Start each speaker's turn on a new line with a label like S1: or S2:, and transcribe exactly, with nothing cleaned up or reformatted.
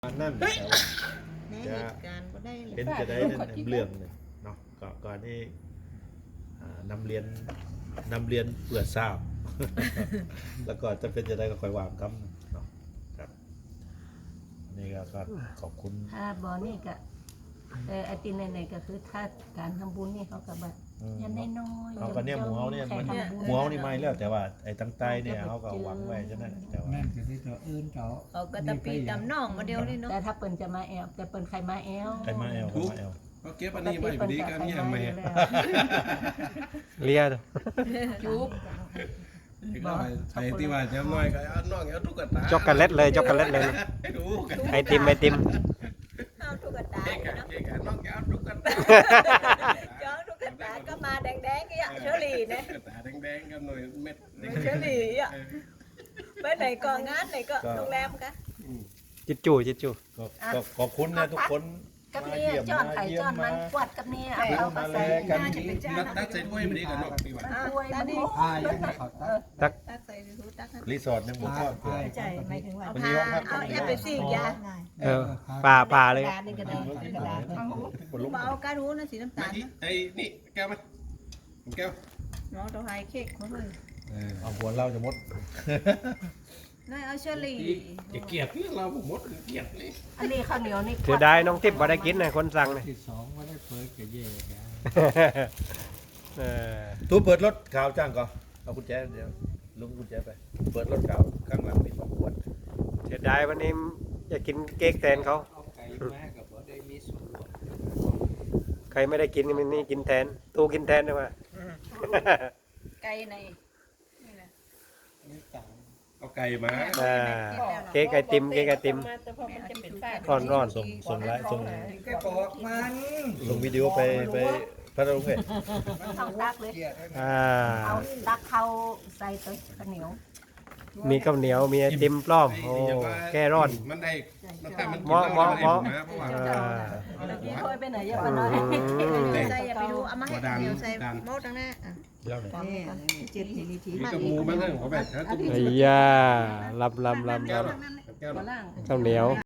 S1: นั่นแต่ว่า
S2: ในเหตุการณ์ก็ได้เลย
S1: เป็นจะได้นั่นเรื่องหนึ่งเนาะก่อนก่อนที่อ่านำเรียนนำเรียนเปลือกทราบ แล้วก็จะเป็นจะได้ก็คอยวางคำเนาะครับนี่ก็ก็ขอบคุณ
S3: ถ้าบอนี่ก็แต่ไอตินในๆก็คือถ้าการทำบุญนี่เขาก็แบบ
S1: อืม
S3: ยันน้อยๆ
S1: เอาก็เนี่ยหมูเฮาเนี่ยมันหมูเฮานี่ไม่แล้วแต่ว่าไอ้ตั้งใจเนี่ยเขาก็หวังไว้ฉะนั้นแต่ว่า
S4: นั่นคือที่เราเอื้นเจาะ
S2: เอากระตะปีตำน่องมาเดียวเลยเนาะ
S3: แต่ถ้าเปิ่นจะมาแอลแต่เปิ่นใครมาแอล
S1: ใครมาแอลใครมาแอล
S5: ก็เก็บอันนี้ไว้พอดีกันเนี่ยแม่
S6: เลีย
S3: จุ๊บ
S5: อีกแล้วไปที่ว่าจะน้อยก็เอาน้องเอาตุ๊กตา
S6: ช็อกโกแลตเลยช็อกโกแลตเลย
S5: ให้ดูกัน
S6: ไอติมไอติม
S2: เอาตุ๊กตา
S5: เก๊กอะ
S2: เนาะ
S5: เก๊กอะน้องเอาตุ๊กตา
S2: ย้อนตุ๊กตาก็มาแดงๆกี่อะเชอรี่เนี่ย
S5: ตุ๊กตาแดงๆกับหน่อยเม็ด
S2: เชอรี่อ่ะไปไหนก็งานไหนก็โรงแรมกะ
S6: จิตจู่จิตจู่
S1: ก็ก็ขอบคุณนะทุกคน
S3: กับ
S1: มา
S3: นี่
S1: เยี่ยม
S3: จอน
S1: มา
S3: ไข่
S1: เยี่ย
S3: จอ
S1: ม
S3: นมั
S1: มาน
S3: กวดกับนี่เอา
S1: เอา
S3: เขา
S1: มา
S3: ก็
S1: แล
S3: ใส่
S1: กัน
S5: นัดตัดใส่ถ้วยพอดีกันน้องพี่ว่า
S3: ถ้วยมันโอ้
S4: พายังไม่เขาตัด
S2: ตักใส่ถุงตักให้
S1: รีสอร์ทยังหมดก็
S4: พา
S7: ใจหมายถึงว่า
S2: เอา
S1: วันนี้
S2: ผ้า
S1: ห้องพัก
S2: เอาแอบไปสี่ยา
S6: เออป่าป่าเลย
S7: กระดาษนี่ก็ได้กระดาษ
S1: บนลุก
S2: มาเอาการูนะสีน้ำตาลนะ
S5: ไอ้นี่แก้วไหมแก้ว
S2: น้องตัวไฮเค้กมาเลย
S1: เอาหัวเราจะหมด
S2: นายเอาเชอรี่
S5: จะเกลียดนี่เราหมดเกลียดนี่
S3: อันนี้ข้าวเหนียวนี่
S6: เสียดายน้องทิพย์บ่ได้กินนะคนสั่งนะ
S4: ที่สองไม่ได้เปิดกับเย่กัน
S6: เออ
S1: ตู้เปิดรถขาวจ้างก่อนเอากุญแจเดี๋ยวลุงกุญแจไปเปิดรถขาวข้างหลังมีสองขวด
S6: เสียดายวันนี้อยากกินเค้กแทนเขา
S4: เอาไก่แม่กับบ่ได้มีส่วนร่วม
S6: ใครไม่ได้กินมันนี่กินแทนตู้กินแทนได้ไหม
S2: ไก่ใน
S5: เอาไก่มา
S6: อ่าเค้กไอติมเค้กไอติมร้อนร้อน
S1: ส่งส่งไลน์ส่ง
S4: แกบอกมัน
S1: ส่งวิดีโอไปไปพัทลุงเพชร
S3: ต้องตักเลย
S6: อ่า
S3: เอาตักเข้าใส่ตัวข้าวเหนียว
S6: มีข้าวเหนียวมีไอติมปลอมโอ้แก้ร้อน
S5: มันได้มันถ้ามัน
S6: เหมาะเหมาะเหมาะ
S5: เพราะว่า
S6: อ่า
S3: เมื่อกี้เคยไปไหนยังมาน้อย
S2: ใส่อย่าไปดูเอามาให้เดี๋ยวใส่โม้ตั้งหน้าอ่ะ
S1: เล่าหน่อย
S7: นี่เจ็ดทีนิที
S5: มีกระมูมันเรื่องของแบบถ้าตุ้ม
S6: ไอ้ยาลำลำลำ
S5: แก้ว
S6: ล
S5: หรอแก้วหรอ
S6: ำข้าวเหนียว